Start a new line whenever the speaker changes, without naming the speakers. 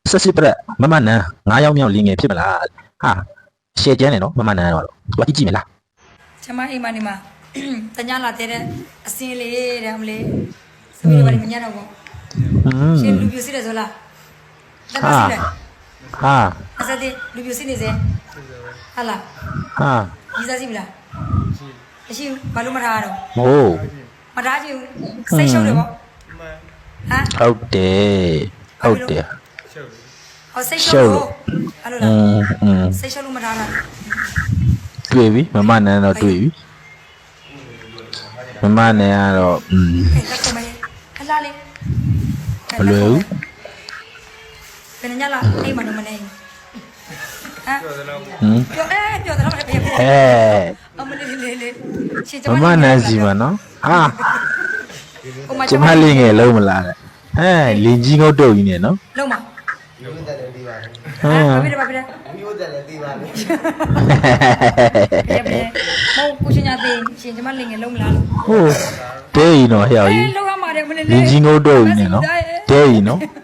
ဆက်စစ်ပြက်မမနန်း9ယောက်မြောက်လင်းငယ်ဖြစ်မလားဟာရှယ်ကျန်းနေနော်မမနန်းတော့သူကကြည့်မလား
ကျမအိမ်မနေမှာတညာလာတဲ့အစင်းလေးတဲ့မလေးသမီးတွေဘာမညံ့တော့ဘူးရှင်လူပြူစီတယ်ဆိုလားတက်ပါစီတယ်
ဟာ
အစတဲ့လူပြူစီနေစေဟာလား
ဟာ
ဒီစားစီမလားမရှိဘူးဘာလို့မထားရတော့
ဟိုး
မထားချင်ဘူးစိတ်ရှုပ်တယ်ပေါ့ဟမ်
ဟုတ်တယ်ဟုတ်တယ်
ဟောစိတ်ရှုပ်လို့အဲ့လိုလားစိတ်ရှုပ်လို့မထားတာ
တွေ့ပြီမမနန်းတော့တွေ့ပြီမမနန်းကတော့
တက်ကုန်မယ်ခလာလေး
မလွယ်ဘူး
ဘယ်ညလာအိမ်မတော့မနေဟမ် ပြောပြောတယ်လားမပြပြ
ဟဲ့
အမလေးလေးရှင်
မမနန်းစီမနော်ဟာကျမလေးငယ်လုံးမလားတဲ့ဟဲ့လင်ကြီးငုတ်တုတ်ကြီးနေနော်
လုံးမ
မျိုးတက်လည်းပြီးပါလေ
ဟမ်
ဘာဖြစ်လဲဘာဖြစ်လဲ
မျိုးတက်လည်းပြီးပါလေ
ပြပြမောင်ကိုရှင်ညာသေးရှင်ကျမလင်ငယ်လုံးမလားလို့
ဟိုးတဲကြီးနော်ဟဲ့ကြီး
လုံးရမှာတယ်မလေး
လင်ကြီးငုတ်တုတ်ကြီးနေနော်တဲကြီးနော်